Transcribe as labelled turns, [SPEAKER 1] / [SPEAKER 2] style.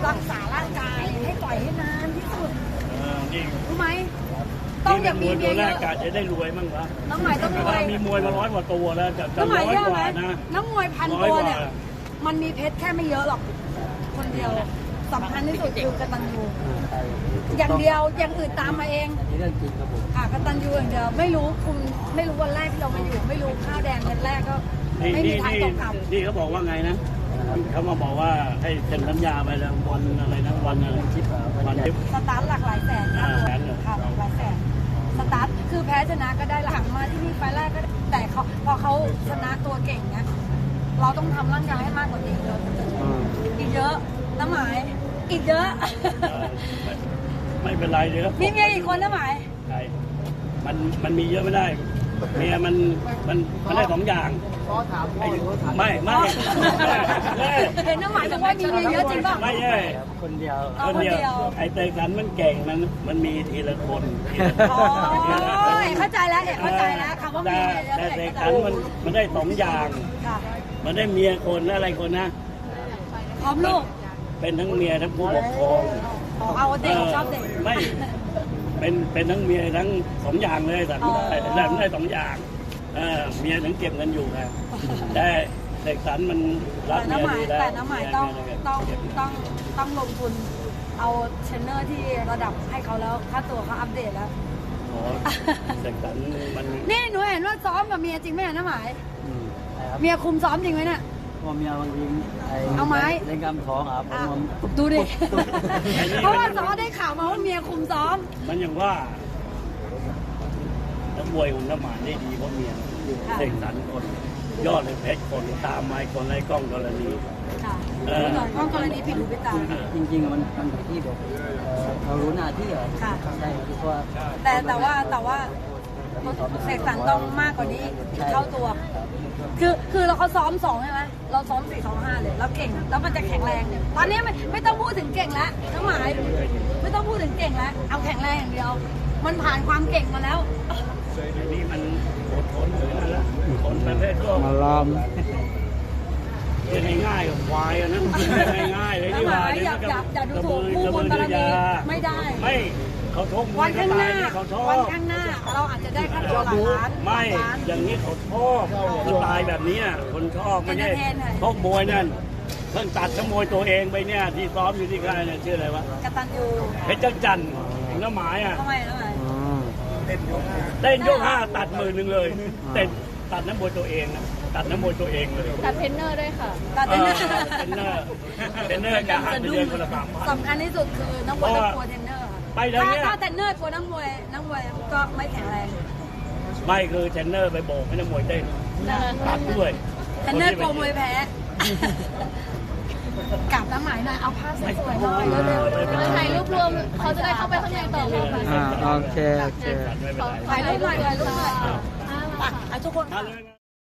[SPEAKER 1] รักษาร่างกายให้ต่อยให้นานที่สุด
[SPEAKER 2] นี่
[SPEAKER 1] รู้ไหมต้องอย่ามีเมีย
[SPEAKER 2] ตัว
[SPEAKER 1] เย
[SPEAKER 2] แรก
[SPEAKER 1] อะ
[SPEAKER 2] กะจะได้รวยมั่งวะ
[SPEAKER 1] น้องใหม่ต้องรวย
[SPEAKER 2] มีมวยมา100 กว่าตัวแล้วจะ
[SPEAKER 1] น้องใหม่
[SPEAKER 2] 100
[SPEAKER 1] เยอะ
[SPEAKER 2] ก
[SPEAKER 1] ไหม
[SPEAKER 2] ว่านะ
[SPEAKER 1] น้องมวย1,000 ตัวเนี่ยมันมีเพชรแค่ไม่เยอะหรอกคนเดียวสำคัญที่สุดคือกตัญญูอย่างเดียวอย่างอื่นตามมาเอง
[SPEAKER 3] นี่เรื่องจริงครับผม
[SPEAKER 1] ค่ะกตัญญูอย่างเดียวไม่รู้คุณไม่รู้วันแรกที่เรามาอยู่ไม่รู้ข้าวแดงเงินแรกก็ไม่มีทางตกต่ำ
[SPEAKER 2] นี่เขาบอกว่าไงนะเขามาบอกว่าให้เซ็นสัญญาไปแล้ววันอะไรนะวันอะไรทิปวันทิป
[SPEAKER 1] สตาร์ทหลักหลายแสนค่ะ
[SPEAKER 2] แสนเหรอ
[SPEAKER 1] ค่ะหลายแสนสตาร์ทคือแพ้ชนะก็ได้หลังมาที่นี่ไฟล์แรกก็ได้แต่เขาพอเขาชนะตัวเก่งเนี่ยเราต้องทำร่างกายให้มากกว่านี้เยอะอีกเยอะน้ำหมายอีกเยอะ
[SPEAKER 2] ไม่เป็นไรเลยครับ
[SPEAKER 1] มีเมียอีกคนน้ำหมาย
[SPEAKER 2] ใช่มันมีเยอะไม่ได้เมียมันได้2 อย่าง
[SPEAKER 3] ขอถามพ่อหรือถาม
[SPEAKER 2] ไม่
[SPEAKER 1] เห็นน้ำหมายบอกว่ามีเมียเยอะจริงป่ะ
[SPEAKER 2] ไม่ใช่
[SPEAKER 3] คนเดียว
[SPEAKER 1] เอาคนเดียว
[SPEAKER 2] ไอ้เตยกันมันเก่งมันมีทีละคน
[SPEAKER 1] อ๋อเข้าใจแล้วเข้าใจแล้วคำว่ามีเมียเยอะ
[SPEAKER 2] แต่เตย
[SPEAKER 1] เข้าใจ
[SPEAKER 2] กันมันได้2 อย่าง
[SPEAKER 1] ค่ะ
[SPEAKER 2] มันได้เมียคนและอะไรคนนะ
[SPEAKER 1] พร้อมลูก
[SPEAKER 2] เป็นทั้งเมียทั้งผู้ปกครอง
[SPEAKER 1] เอาเด็กชอบเด็ก
[SPEAKER 2] ไม่เป็นทั้งเมียทั้ง2 อย่างเลยแต่ได้2 อย่างเมียทั้งเก็บเงินอยู่นะแต่เด็กสันมันรัก
[SPEAKER 1] แต่
[SPEAKER 2] เมีย
[SPEAKER 1] น้ำหมาย
[SPEAKER 2] ดีแล้ว
[SPEAKER 1] แต่น้ำหมายต้องลงทุนเอาเทรนเนอร์ที่ระดับให้เขาแล้วค่าตัวเขาอัปเดตแล้ว
[SPEAKER 2] โอ้เด็กสันมัน
[SPEAKER 1] นี่หนูเห็นว่าซ้อมกับเมียจริงไหมน้ำหมาย
[SPEAKER 3] นะครับ
[SPEAKER 1] เมียคุมซ้อมจริงไหมเนี่ย
[SPEAKER 3] พ่อเมียบางที
[SPEAKER 1] เอาไม้
[SPEAKER 3] เล่นกำท้องครับผม
[SPEAKER 1] ดูดิ เพราะว่าซ้อมได้ข่าวมาว่าเมียคุมซ้อม
[SPEAKER 2] มันอย่างว่านักมวยของน้ำหมานได้ดีเพราะเมียเด็กสันคน ยอดเลยเพชรคนตามไม้คนไรกล้องกรณี
[SPEAKER 1] ค่ะกล้องกรณีผิดหูผิดตา
[SPEAKER 3] จริงๆมันอยู่ที่แบบเรารู้หน้าที่เหรอ
[SPEAKER 1] ค่ะ
[SPEAKER 3] ใช่ที่ว่า
[SPEAKER 1] แต่ว่าเสกสรรต้องมากกว่านี้เท่าตัว คือเราเขาซ้อม2ใช่ไหมเราซ้อม4 2 5เลยเราเก่งแล้วมันจะแข็งแรงตอนนี้ไม่ต้องพูดถึงเก่งแล้วน้ำหมายไม่ต้องพูดถึงเก่งแล้วเอาแข็งแรงอย่างเดียว มันผ่านความเก่งมาแล้ว
[SPEAKER 2] อันนี้มันอดทนเหมือนกันละคนประเภทก็
[SPEAKER 3] มาลอม
[SPEAKER 2] เรียนง่ายๆกับควายอะนะง่ายๆเลยที่ว่า
[SPEAKER 1] อย่าดูถูกผู้บนบารมีไม่ได้
[SPEAKER 2] ไม่เขาชกมว
[SPEAKER 1] วั
[SPEAKER 2] ย
[SPEAKER 1] น
[SPEAKER 2] เขา
[SPEAKER 1] ข้างห
[SPEAKER 2] ตาย
[SPEAKER 1] น้า
[SPEAKER 2] นี่เขาชอ
[SPEAKER 1] วัน
[SPEAKER 2] บ
[SPEAKER 1] ข้างหน้าเราอาจจะได้ค่าตัวหลายล้าน
[SPEAKER 2] ไม่
[SPEAKER 1] ล้าน
[SPEAKER 2] อย่างนี้เขาชอบสไตล์แบบนี้คนชอบไม่ใช่
[SPEAKER 1] Entertain หน่อย
[SPEAKER 2] ชกมวยนั่นเพิ่งตัดขโมยตัวเองไปเนี่ยที่ซ้อมอยู่ที่ค่ายเนี่ยชื่ออะไรวะ
[SPEAKER 1] กตัญญู
[SPEAKER 2] เพชรจันทร์ของน้ำหมายอ่ะ
[SPEAKER 1] ทำไม
[SPEAKER 2] เต้นยก 5ตัด10,000เลยเต้นตัดน้ำมวยตัวเองนะตัดน้ำมวยตัวเองเลย
[SPEAKER 1] ตัดเทรนเนอร์ด้วยค่ะตัด
[SPEAKER 2] เท
[SPEAKER 1] เทรนเนอร์
[SPEAKER 2] รนเนอร์จะหักเดือนคนละ3,000
[SPEAKER 1] สำคัญที่สุดคือนักมวยต้องกลัวเทรนเนอร์ค่ะ
[SPEAKER 2] ไปทางเนี้ย
[SPEAKER 1] ถ้าเทรนเนอร์กลัวนักมวยก็ไม่แข็งแรง
[SPEAKER 2] ไม่คือเทรนเนอร์ไปโบกให้นักมวยเต้นตัดด้วย
[SPEAKER 1] เทรนเนอร์กลัวมวยแพ้กลับน้ำหมายหน่อยเอาผ้าสวยๆหน่อยเร็วๆถ่ายรูปรวมเขาจะได้เข้าไปข้างในต่อค่ะ
[SPEAKER 3] โอเค
[SPEAKER 2] ไม่เป็นไร
[SPEAKER 1] ถ่ายรูปหน่อยถ่ายรูปหน่อยอ่ะทุกคน
[SPEAKER 2] มาเลย